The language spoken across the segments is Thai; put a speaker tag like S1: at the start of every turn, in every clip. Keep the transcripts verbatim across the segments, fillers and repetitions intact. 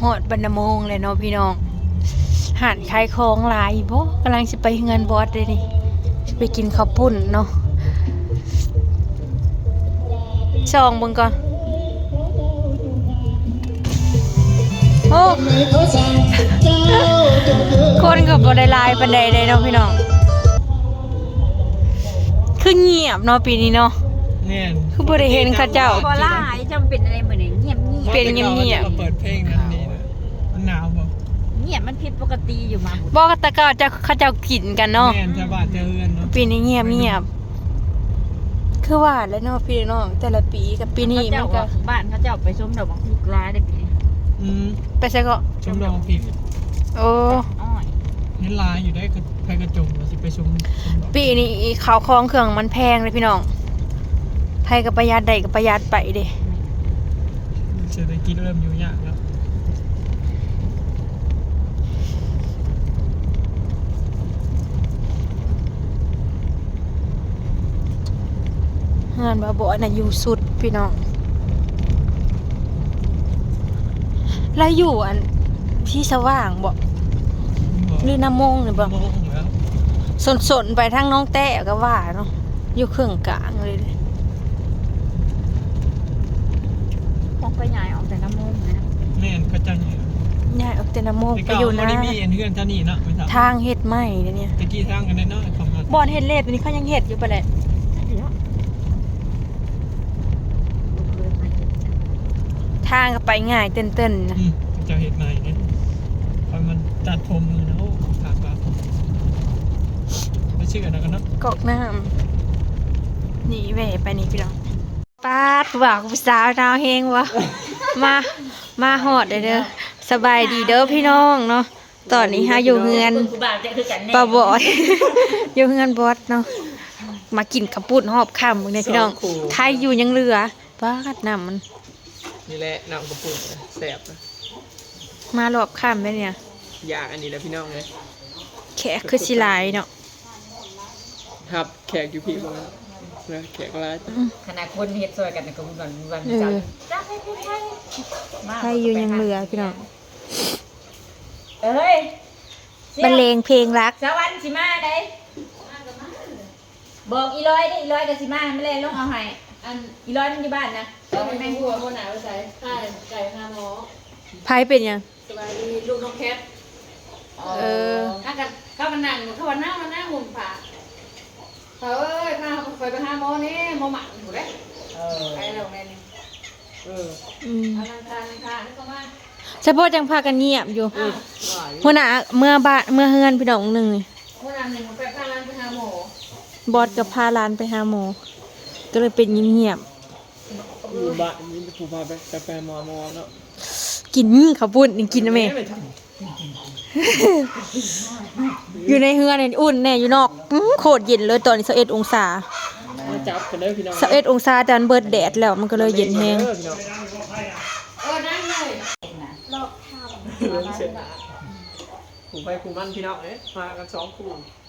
S1: ฮอดบรรณมงเลยเนาะพี่น้องหานขายของหลายบ่กำลังสิไปเงินบอสเลยนี่สิไปกินข้าวปุ้นเนาะซองเบิ่งก่อนโอ้คนก็บ่ได้หลายปานใดเด้เนาะพี่น้องคือเงียบเนาะปีนี้เนาะ
S2: เนี่ย
S1: คือบ่ได้เห็นเขาเจ้า
S3: พอล่าจำเป็นอะไรเหมือนเงียบเงียบ
S1: เป็นเงียบ
S2: ๆเปิดเพลงนั้นนี่นะมันหนาวบ่
S3: เงียบมันผิดปกติอยู่มา
S1: บ่แต่ก็จะเขาเจ้ากินกันเนาะ
S2: แม่นจะบาดจะเฮือนเนาะ
S1: ปีนี้เงียบเงียบคือว่าแล้วเนาะพี่น้องแต่ละปีกับปีนี้มันก็
S3: บ้านเขาเจ้าไปชมดอกบังคุกร้ายได้ปีนี้
S2: อืม
S1: ไปซะก็
S2: ชมดอกผิด
S1: โอ้
S3: อ้อย
S2: เห็นลายอยู่ได้ก็ไปกระจงว่าสิไปชมชมดอก
S1: ปีนี้ข้าวของเครื่องมันแพงเลยพี่น้องไผก็ประหยัดได้ก็ประหยัดไปเด้
S2: เศรษฐกิจเริ่มอยู่ยากแล้ว
S1: เฮือนบ่บ่น่ะอยู่สุดพี่น้องแล้วอยู่อันที่สว่างบ่หรือน้ำมงนี่บ่
S2: โมงแล้ว
S1: สนๆไปทางน้องแต้ก็ว่าเนาะอยู่เครื่องกลางเลยเด้
S3: คงไปใหญ่ออกแต่น้ำมูกนะ
S2: แม่นก็จังอยู่
S1: ย้ายออกแต่น้ำมง
S2: ไป
S1: ไป
S2: เก่า
S1: อยู่
S2: บ่
S1: นะ
S2: ได้มีอันเฮือนเท่านี้เนาะไม่ทราบ
S1: ทางเฮ็ดใหม่เด้เนี่ย
S2: ตะกี้ทางกันน้อยๆเข้ามา
S1: บ่อนเฮ็ดเลดตัวนี้เขายังเฮ็ดอยู่ปะแหละทางก็ไปง่ายเต้นๆนะ
S2: อืมจะเฮ็ดใหม่เนี่ยพอมันตัดผมเลยนะโอ้ขาดบาไม่เชื่อนะกันเนาะ
S1: กอกน้ำนี่แหวไปนี่พี่น้องป้าดว่ากูสาวนาวเฮงวะ มามาฮอดเด้อเด้อสบายดีเด้อพี่น้องเนาะตอนนี้ฮะอยู่เฮือนปะบอด อยู่เฮือนบอสเนาะมากินข้าวปุ้นหอบค่ำมึงเนี่ยพี่น้องไทยอยู่ยังเหลือป้าดน้ำมัน
S2: นี่แหละน้ำกระปุกแสบนะ
S1: มารอบค่ำเลยเนี่ย
S2: อยากอันนี้แหละพี่น้องเลย
S1: แขกคือสิหลายเนาะ
S2: ครับแขกอยู่พี่บ้างนะแขกอะไร
S3: ขณะคนเฮ็ดซอยกันก็วันวัน
S1: เอ
S3: จัน
S1: อ
S3: จ้าให้พี่ไทย
S1: ไทยอยู่ยังเหลือพี่น้อง
S3: เอ้ย
S1: บรรเลงเพลงรัก
S3: สวรรค์สิมาได้บอกอีร้อยได้อีร้อยกับสิมาไม่เล่นลงเอาให้อันอีร้อยมันอยู่บ้านนะ
S4: ก็เป็นแม่หัวคนหนาไปใส่ข้าไก่หาหมอ
S1: ไพ่เป็นยัง
S4: สบายดีลูกน้องแคท
S1: เออ
S4: ถ้ากันเข้ามานั่งเข้ามานั่งมานั่งหุ่นผ่าเขาเอ้ยพาเขาไปไปหาหมอนี่หมอหมันอยู่เลย
S3: เออ
S4: ไปแล้วแม่นี่
S2: เออ
S1: อืม
S4: เอาลังคาลังคานี่ก็มา
S1: เฉพาะจังพากันเงียบอยู่
S4: อ้าว
S1: หัวหน้าเมื่อบ้านเมื่อเฮือนพี่น้องหนึ่งนี่
S4: คนนั้นหนึ่งไปพาร้านไปหาหมอบ
S1: อสกับพาหลานไปหาหมอก็เลยเป็นเงียบ
S2: อยู่บ้านนี่ผู้พาไปกาแฟมอมอเนาะ
S1: ๆกินข้าวปุ้นนี่กินนะแม่
S2: ไม่ท
S1: อยู่ในเฮือนนี่อุ่นแน่อยู่นอกอื้อโคตรเย็นเลยตอนนี้สิบเอ็ดองศา
S2: ำมาจับกันเลยพี่น้อง
S1: สิบเอ็ดองศาจานเบิดแดดแล้วมันก็เลยเย็นแฮง
S2: เออพี่น้อง
S4: เออนั่งเลย
S2: ผู้ไปผู้มันพี่น้องเอ๊ะมากันสองคู่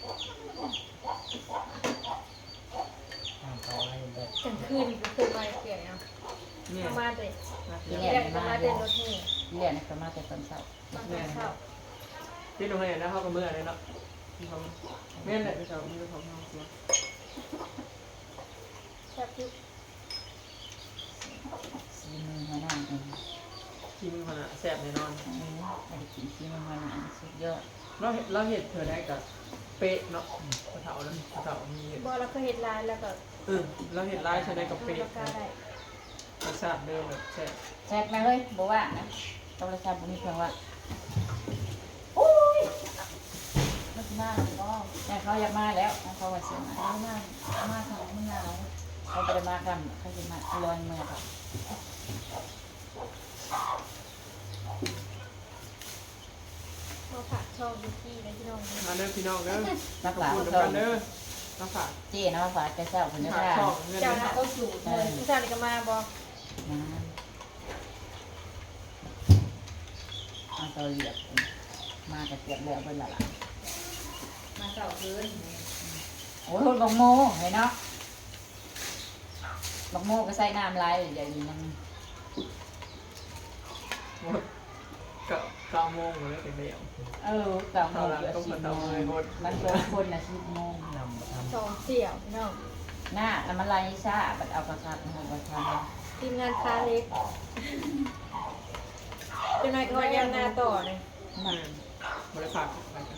S4: กลางคืนคือมาเกี่ยวเนี่ย
S2: เนี่ย
S4: มาเลย
S3: ที่
S4: เรี
S3: เรี
S4: ย
S3: ย
S4: ก
S3: น
S4: มา
S3: มา
S4: เดิ
S3: เรีย
S4: น
S3: น
S4: รถนี่
S3: เรียนก็มาแต่ตอนเช้า
S4: มาเข้า
S2: ที่โรงเรียนนะเขาก็เมื่อเลยเนาะที่เขาแม่นแหละพี่สาวมีเขาเขาเนาะ
S4: แซ่บที่
S3: ซีมือมานั่งเอง
S2: ที่มือขนาดแซ่บแน่นอน
S3: เออไปกินซีมือมานั่งสุดยอด
S2: เราเห็นเราเห็นเธอได้กับเป๊ะเนาะกระเถาแล้วกระเถามีเห็ด
S4: บอเราเคยเห็นร้านแล้วก็
S2: เออเราเห็นลายใช้ได้กับ
S4: ดู
S2: เป๊ะ
S4: ราคาได้
S2: รสชาติเดิมแบบแซ่บ
S3: แซ่บไหมเฮ้ยบอกว่านะโทรศัพท์บุญเพียงว่าไม่มาก็แต่เขาอยากมาแล้วเขาว่าเสียมามามาทางมันหนาวเขาจะมากันเขาจะมาลอยเมืองค่ะ
S4: มาผักช่องดูที่นะพี่น้อง
S2: มาเด้อพี่น้องเด้อ
S3: นักหลา
S2: พูด
S3: เขา
S2: กันเด้อมาฝาก
S3: เจ๊นะมาฝากแกเจ้าคนนี้
S2: ฝาก
S3: ค่ะ
S2: ช่องเงิน
S4: เจ้า
S2: นะ
S4: หน้าก็สูตรเลยผู้ชายก็มาบอ
S3: นะเอาตัวเหยียบมาแต่เกียบแล้วเป็นละล่ะ
S4: มาเสาร์คืน
S3: โอ้ยบักโมเห็นเนาะบักโมก็ใส่น้ำลายใหญ่ดีนั่ง
S2: หมดก็เก้าโมงเลยถึงเดียว
S3: เออเก้าโมงเกือบสิบโมงมันโดนคนน่ะสิบโมง
S2: นำท
S1: สองเสี่ยวพี่น้อง
S3: หน้าแล้วมันไล่ซ่าบัดเอากระชับเอากระชับ
S1: ทีมงานคาเล็กเป็นไงก็ยังหน้าต่อเลย
S2: ำมันบริษัทอะไรกัน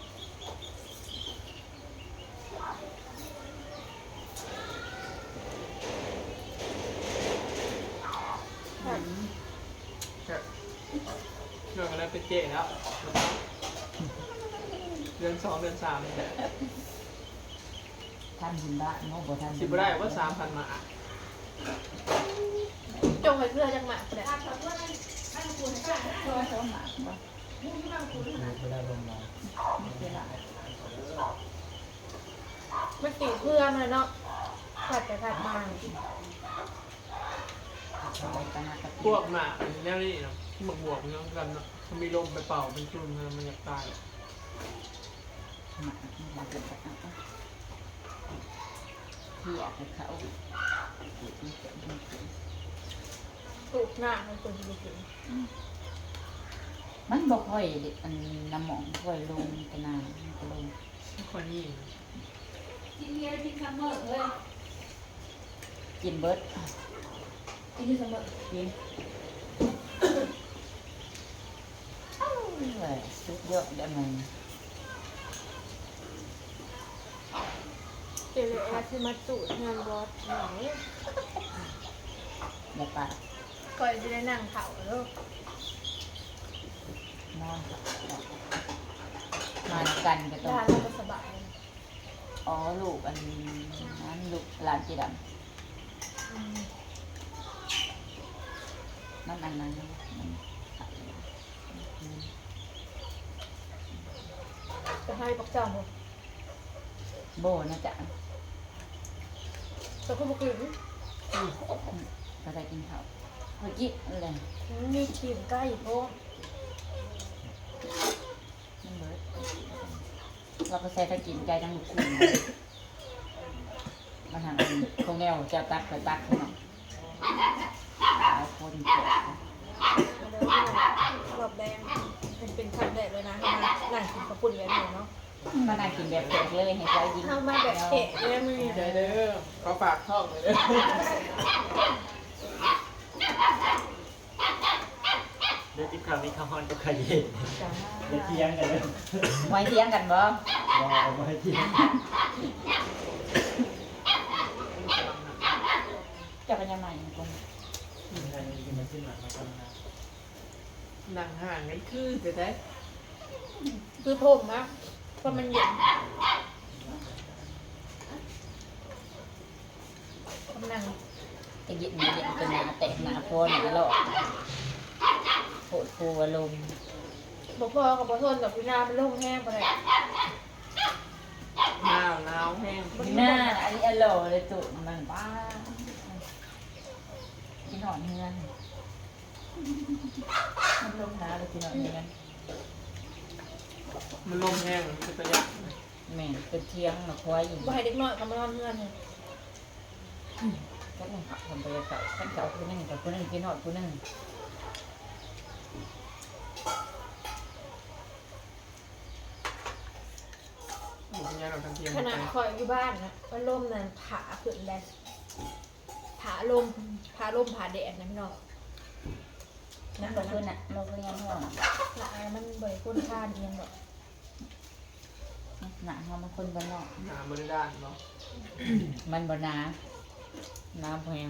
S2: เรื่องอะไรเป็นเจ๊แล้วเดือนสองเดือนสามเนี่ย
S3: ท่านหินบ้านโมบ่ท่าน
S2: สิบได้ว่าสามพันมา
S1: จงไปเพื่อจังหวะเลย
S3: ช่วยเขาหมาบ่
S2: ไม่ได้ลงมา
S3: ไม่เป็นไร
S1: ไม่ตีเพื่อมาเนาะผัดไปผัดมา
S3: ไปกันนะกับ
S2: พวกหมาแนวนี้นะหมวกบวกเนาะกันเนาะมันมีลมไปเป่าเป็นชุ่มมันอยากตาย
S3: หมามาเป็นกันนะคือออกไปเขา
S1: ปลูกหน้ามันควรจะกิน
S3: มันบ่ค่อยอันน้ำหมองค่อยลงกันนานก็ลง
S2: ไม่ค่อยนี่
S4: กินเบียร์กินซัมเมอร์เลย
S3: กินเบิด
S4: กินที่ซัมเมอร์
S3: กินเอ้ยสุดยอดได้มั้ย
S1: เจเลแอสที่มาจูดงานบอสหน่อย
S3: อย่าปาก
S1: ก่อนจะได้นั่งเผาแล้ว
S3: นอนมากันก็ต้อง
S1: ร้านเราก็สบาย
S3: อ๋อลูกอันนั้นลูกหลานจีดำมันอันนั้นมัน
S1: จะให้ปักเจ้าหมด
S3: โบนะจ๊ะ
S1: แต่คุณบอกกิน
S3: ก็ได้กินข้าวเมื่อกี้อะไร
S1: มีขีมใกล้โอ้
S3: มันเบิดเราก็ใส่ถ้ากินไก่ทั้งลูกคุณมาทางอันคงแนวจะตักไปตักให้หน่อยหลายคนเกิด
S1: รอบแดงเป็นเป็นครั้งแรกเลยนะให้มานั่งกินกระปุ่นแบบนี้เนาะ
S3: มานั่งกินแบบเผ็ดเลยให้ใจยิง
S1: เข้ามาแบบเอะเลยมือ
S2: เด้อเด้อเขาฝากท่องเลยเด้อ
S5: เดี๋ยวที่คราวนี้ข้าวฮอนก็ขยิบเดี๋ยวเที่ยงกันเลย
S3: ไว้เที่ยงกันบ่
S5: รอเอาไว้เที่ยง
S3: จะเป็นยังไงตรง
S5: มีอะไรกินมาขึ้นมามาทำงาน
S2: นั่งห่างกันคือแต่ได้
S1: คือผมอะเพราะมันเย็นกำลัง
S3: จะยินมาเย็นเป็นหนาแตกหนาโพนหนาหลอกโผล่ฟูอารมณ์
S1: บอกพ่อกับพ่อทนกับพี่นาเป็นโรคแห้งไปเลย
S2: หนาวหนาวแห้ง
S3: หน้าอันนี้อร่อยเลยตุ่นมันบ้ากินหอนเงินมันลงน้ำเลยกินหอนเงิน
S2: มันลมแห้งมันเป็นประหยัด
S3: แม่เป็นเที่ยงมาควายอีก
S1: บ่ให้เด็กน้อยกับมานอนเงื่อนเลย
S3: ก็ต้องขับคนไปเก่าขั้นเก่าคนนึงกับคนนึงกินหอดคนนึง
S2: อยู่ที่นี่เราทั้งเทียม
S1: ขนาดคอยอยู่บ้านนะว่าล่มนั้นผาขึ้นแดดผาลมผาลมผาแดดนะพี่น้อง
S3: นั่นก็คือน่ะเราก็ยังห่วง
S1: หลายมันเบยก้นข้านเอียงแบบ
S3: หนาเขามันคนบ้านนอก
S2: หนาบริด้านเนาะ
S3: มันบ่น้าน้ำแพง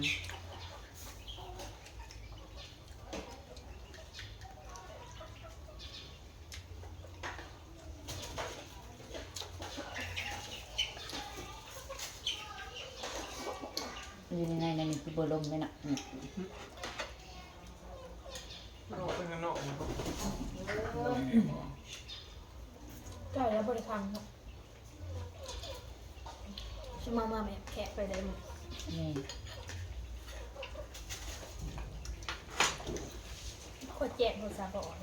S3: อยู่ในในนี้คือบลมเลยนะนี่
S2: เราเป็นกันเนาะมันก็
S1: ใกล้แล้วบริการเนาะชิมามาแบบแขกไปเลยมั้ง
S3: นี่
S1: ขวดแจกหัวซาบอน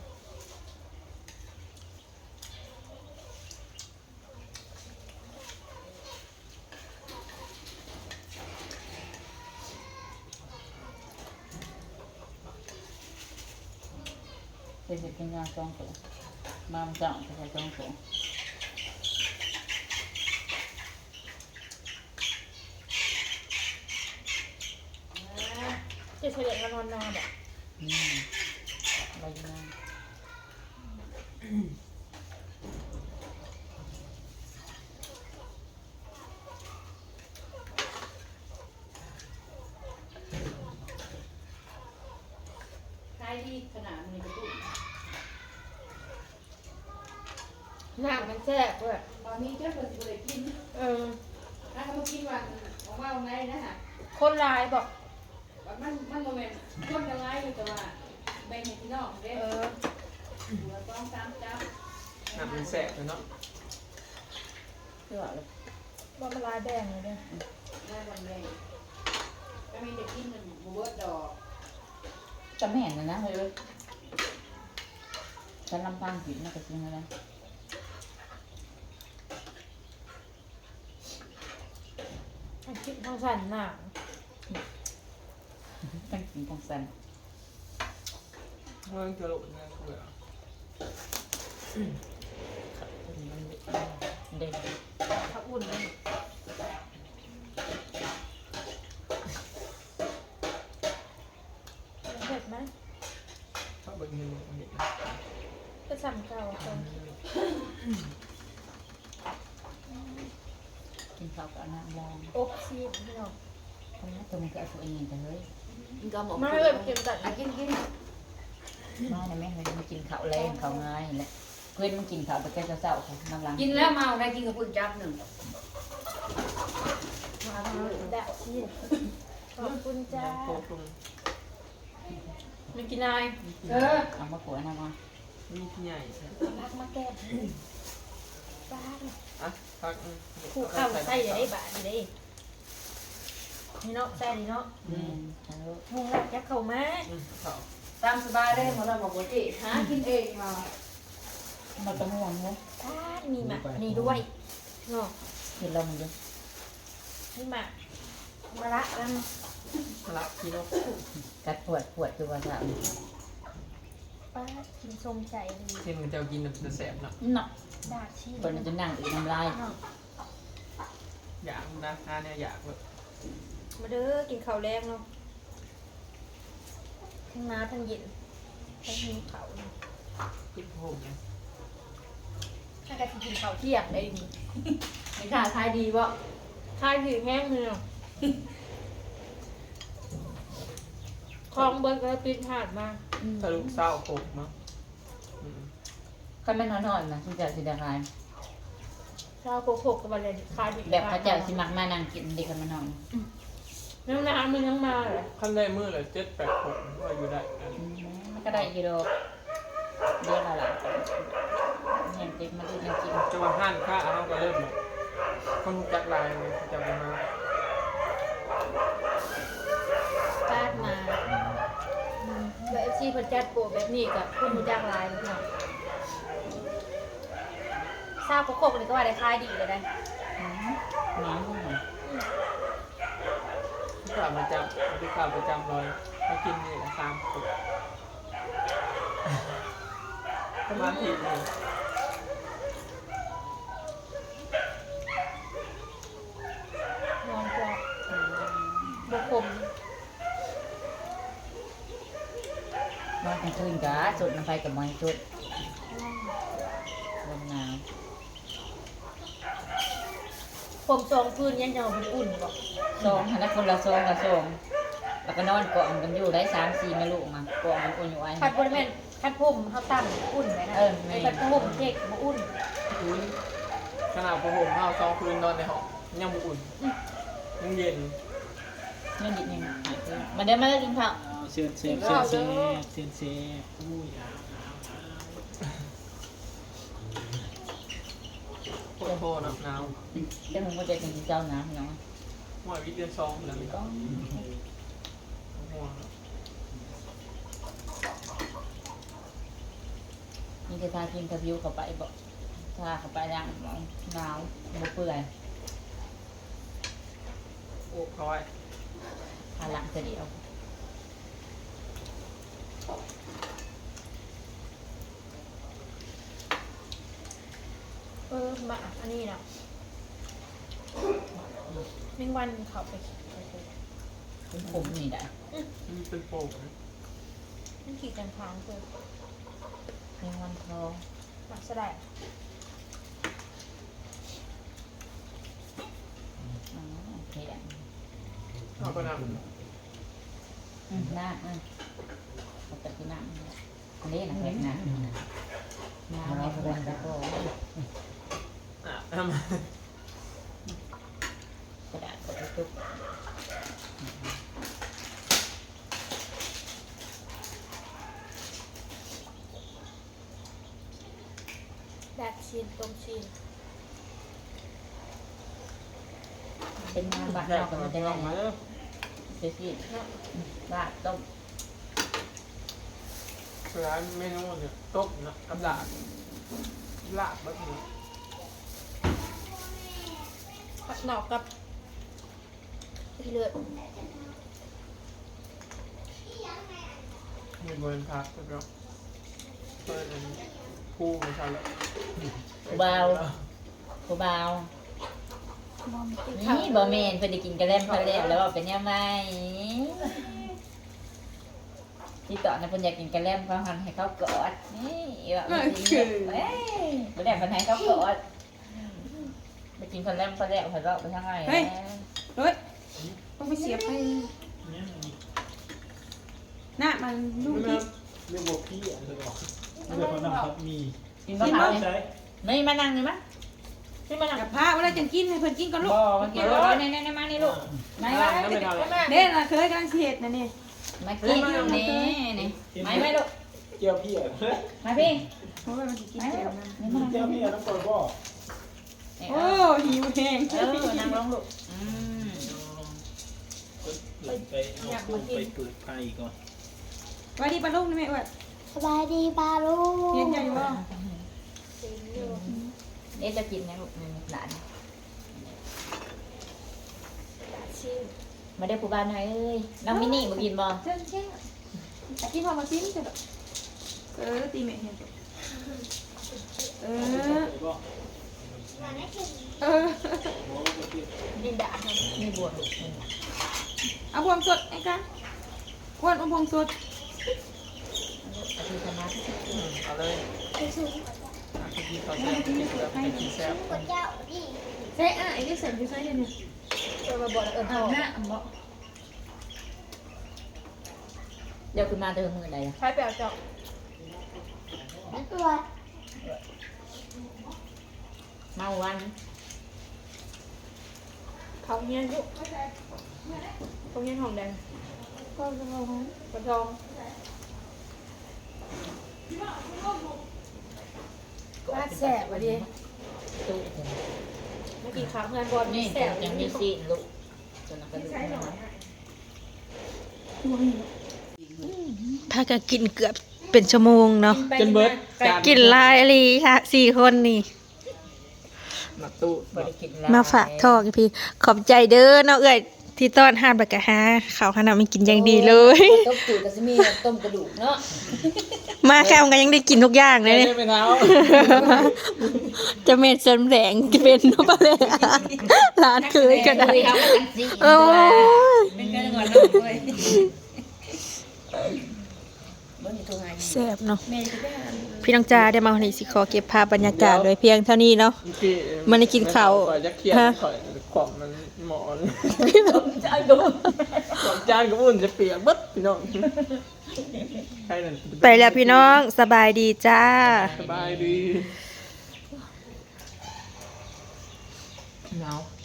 S3: เป็นเห็ดกินยาสองตัวมามันจังใส่สองตัว
S1: จะเฉลี่ยกันนอนนอนแบบ
S3: อืมอะไรอยู่นะ
S4: ขายดีขนาดนี้ก็ตุ้ม
S1: หนักมันแซ่บเว้ย
S4: ตอนนี้เจ้าคนจะเลยกิน
S1: เออ
S4: ถ้าเขากินวันของว่าวันไหนนะฮะ
S1: คนร้ายบอก
S4: มันมันโมเมนต์คนจะไล่อยู่แต่ว่าแบ่งให้พี่น้องเด้
S1: เออ
S4: หัวต้องตามจับ
S2: น้ำมันแสบเลยเนาะ
S3: เชื่อเลย
S1: ว่ามันร้ายแดงเลยเนี่ย
S4: ได้วันแบ่งก็มีเด็กกินหนึ่งบัวดอก
S3: จะไม่เห็นนะนะเฮ้ยฉันลำพังผิดนะก็จริงเลย
S1: มันคิดทางสันหนัง
S3: ตั้งกินตั้งสัน
S2: เมื่อกี้เราเนี่ยเบื่อ
S3: มันเด็ก
S1: เขาอุ่นเลยเผ็ดไหม
S2: ชอบเบิ่งเงินเห็น
S1: ก็สั่งเก่าคน
S3: กินข้าวกับน้ำลอง
S1: อบซีดพี่น้อง
S3: คนนี้ตัวมันก็เอาตัวเองแต่เฮ้ย
S4: ก็หมด
S1: ไม่เอ่ยเค็มจัด
S4: กินกิน
S3: มาเนี่ยแม่เฮ้ยมันกินข้าวแรงข้าวง่ายแหละเพื่อนมันกินข้าวแต่แกจะเศร้าค่ะน้ำลัง
S4: กินแล้วเมาได้กินกับคุณจับหนึ่ง
S1: มาทำดะซีดขอบคุณจ้า
S2: โคตร
S1: ไม่กินนาย
S4: เออ
S3: เอามาขวดนะมา
S2: มีที่ใหญ่ใช่
S1: พักมาแก้บ้าน
S2: อ่ะพัก
S1: คู่ข้าวใส่เดี๋ยวได้บาทเดี๋ยวได้นี่เนาะใส่ดีเนาะ
S3: อืมเอา
S1: มุงแล้วจะเข้ามา
S2: เขา
S4: ตามสบายได้หมดเราบอกว่าจีหากินเองมา
S3: มาต้องห่วงเนาะ
S1: บ้านมีหมากนี่ด้วยเนาะ
S3: กินเรามันเยอะ
S1: มีหมากมะระกัน
S2: ละพี่น้อง
S3: กัดปวดปวดตัวสาว
S1: ป้ากินชมใจดี
S2: เช่นมันจะกินแบบจะแสบเนาะ
S3: เนาะ
S1: ดาชี
S3: คนมันจะนั่งอีกน้ำลาย
S1: เนาะ
S2: อยากนะฮาเนี่ยอยากแบบ
S1: มาเด้อกินข้าวแรงเนาะทั้งน้าทั้งเย็นทั้งหิวเขาวเนาะ
S2: กินผมเนี่ย
S1: ถ้ากันกินข้าวเที่ยงได้ดี
S4: ไม่ค่ะขายดีบ่
S1: ทายถือแห้งเลยเนาะคลองเบิร์ดก็ปิดหาดมา
S2: ทะลุเศร้าโขกมั้ง
S3: คันแม่นอนๆนะคุณเจ้าสิได้ขาย
S1: ชาวโกโกะกับอะไรคายดี
S3: แบบพระเจ้าสิมักมานั่งกินเด็กคันแม่นอน
S1: น้ำน้ำมันยังมาเลย
S2: ขั้นได้มือเลยเจ็ดแปดหกว่าอยู่ได้
S3: อืมมันก็ได้กิโลเดียวละหลายแห้งเต็มมาดูยังกิน
S2: จังหวะห้านข้าเอาก็เริ่มแบบคนจักลายเลยจะไปมา
S1: ปาดมาแบบซีพันจัดโปแบบนี้กับคุณมูจ้างลายเนาะชาวโกโกะนี่ก็ว่าได้คายดีเลยได้
S3: อืมน้ำมันหน่อย
S2: ที่ข่าวประจำที่ข่าวประจำเลยมากินนี่แหละสามขวดประมาณผิดเลย
S1: นอนกว่าบกคม
S3: นอนกลางคืนกะสุดน้ำไฟกับมอยสุดลมหนาว
S1: ผมสองคืนยังจะเอาเป็นอุ่นบอก
S3: สองหันคนละสองกับสองแล้วก็นอนเกาะกันอยู่ได้สามสี่แม่ลูกมาเกาะกันอุ่นอยู่ไอ้
S1: คัดบริเวณคัดผมเขาตั้งอุ่นไว้นะ
S3: เออไม่
S1: ไอ้คัดผมเด็กบ่อุ่น
S2: อุ้ยขนาดพอผมเอาซองคืนนอนในห้องยังบุอุ่นยังเย็น
S3: เรื่องนิดนึงมาเดี๋ยวมาเลิกกินข้าว
S5: เชิญเชิญเชิญเชิญเชิญเชิญอุ้ยอ่ะ
S2: โคตรโคตรหนาว
S3: เดี๋ยวผมก็จะกินเจ้าน้ำเนาะ
S2: หัววิทย์เดือนสองแล้วไม่ต้องห่วง
S3: นี่จะทาครีมทาผิวเข้าไปบอกทาเข้าไปย่างหนาวบ่เปื่อย
S2: โอ้ร้อย
S3: ทาหลังจะเดียว
S1: มาอันนี้นะแมงวันเขาไป
S3: เป็นผมนี่ได้
S2: มันเป็นโป่ง
S1: มันขี่จังทางคือ
S3: แมงวันทอง
S1: หมักสลาย
S3: อ๋อแข็ง
S2: เอาก็น
S3: อืมน้ำอืมเอาแต่คือน้ำอันนี้นะแข็งน้ำน้ำแข็งน้ำแล้วก็
S2: ำอ่ะทำ
S3: กระดาษกระตุก
S1: แดดชีนต้มชีน
S3: เป็นน้ำบาด
S2: แย
S3: นอก กกัน
S2: มา
S3: มันจะ
S2: ล
S3: ได้
S2: องมาเด้อ
S3: เสียสิบาดต้ม
S2: ร้านเมนูเนี่ยต้มนะกับลาบลาบแบบนี้
S1: ผักหนอกกับที่เลือด
S2: มีบริพักแล้วก็เปิดอันผู้ไม่ใช่แล้ว
S3: ผู้เบาผู้เบานี่บะเมนเพื่อได้กินกระเล่มพะเล่แล้วว่าเป็นยังไงที่ต่อนะเพิ่นอยากกินกระเล่มเขาหันให้เขากอดนี่แบบนี้เอ้ยบ่ได้เพิ่นให้เขากอดไปกินกระเล่มพะเล่เพิ่นก็ไปทางไหน
S4: เฮ้ยเฮ้ยต้องไปเสียบให้หน้ามันลูก
S5: ไม่
S4: ที่
S5: เรียกว่าพี่อ่ะเลยบอกเรียกว่าน้ำครับมี
S3: กินมะพร้าว
S5: ใช่
S3: นี่มานั่งนี่มั้ยนี่มานั่ง
S4: กับผ้าเวลาจะกินให้เพิ่นกินก่อนลูก
S3: บ่มันกินบ่นี่นี่มานี่ลูกมา
S2: ลาบ
S3: มา
S2: นั่นไม่ทำเลย
S4: เด้น่ะเคยกำลังเสียดนะนี่
S3: มากินนี่นี่มาไหมลูก
S5: เกี่ยวพี่อ่ะ
S3: มาพี่
S4: โอ้ยมันสิกินแก้วนะ
S3: นี่มา
S5: เกี่ยวพี่อ่ะต้องปล่อยบ่
S4: โอ้หิวแห้ง
S3: เออนั่งลงลูกอืม
S5: ไปเอาตู้ไปเปิดไฟก่อน
S4: ไว้ดีปลาลูกนี่แม่ว่า
S6: สบายดีปลาลูก
S4: เย็นอยู่บ่
S3: เอ๊ะจะกินนะลูกหลาน
S1: ชีน
S3: มาได้ผู้บ้านหน่อยเอ้ยน้องมินี่มากินบ่
S4: เจ้าเจ้าแต่กินพอมาซิมจ้ะเออตีแม่เห็นเออ
S5: ไปบ่
S4: เออ
S1: ดินดา
S3: มีบวชลูก
S4: เอาพวงสดไอ้กันพวงเอาพวงสด
S3: อาทิตย์ธรรมะ
S2: เอาเลยอากินข้าวแซ่บกินแบบเป็นกินแซ่บ
S6: เจ้าดิ
S4: ใช่อ่ะไอ้ที่ใส่อยู่ใส่เนี่ย
S1: เออมาบอกแล้วเออ
S4: อ่า
S1: พ่อ
S4: หน้าอ่ะบ่
S3: เดี๋ยวคุณมาเติมมือใดล่ะ
S1: ใช้แปลวเจาะ
S6: ตัว
S3: เมาวัน
S1: เขาเงี้ยยุเขาเงี้ยหอมแดง
S6: ก็ลง
S1: กระทองน่าแสบว่ะดิ
S3: ตู้
S1: เมื่อกี้ขาเพื่อนบอล
S3: นี่
S1: แสบ
S3: ยังมีซีนลูกจนกระดูก
S1: พากันกินเกือบเป็นชั่วโมงเนาะ
S2: จนเบิร์ดจาน
S1: กินลายอะไรค่ะสี่คนนี่
S2: หนักตู้
S3: บริกิน
S1: มาฝากทอกพี่ขอบใจเด้อเนาะเอ้ยที่ต้อนหาดบักกะฮาเขาวขนาดไม่กินอย่างดีเลย
S3: ต้มจืดก็จะมีต้มกระดูกเนาะ
S1: มาแค่มันก็ยังได้กินทุกอย่างเลย
S2: ไม่
S1: เนี่ย
S2: ได้ไปเท้า
S1: จะเม็ดเสริมแสงจะเป็นนปะเลยร้านเคยก็ได้
S3: คุยเขากันสิ
S1: โอ้ย
S3: เป็นกันก่อนเนาะเว้ยบ่มีตัวไง
S1: แซ่บเนาะพี่น้องจ้าได้มาวันนี้สิขอเก็บภาพบรรยากาศไว้เพียงเท่านี้เนาะ มันได้กินข้าว
S2: ก่อนจะเครียด
S1: ฮะ
S2: ข่อยของมันหมอน
S3: ใจกู
S2: ของจานกับอุ่นจะเปียกเบิดพี่น้องใช่นั่น
S1: ไปแล้วพี่น้องสบายดีจ้า
S2: สบายดีหนาว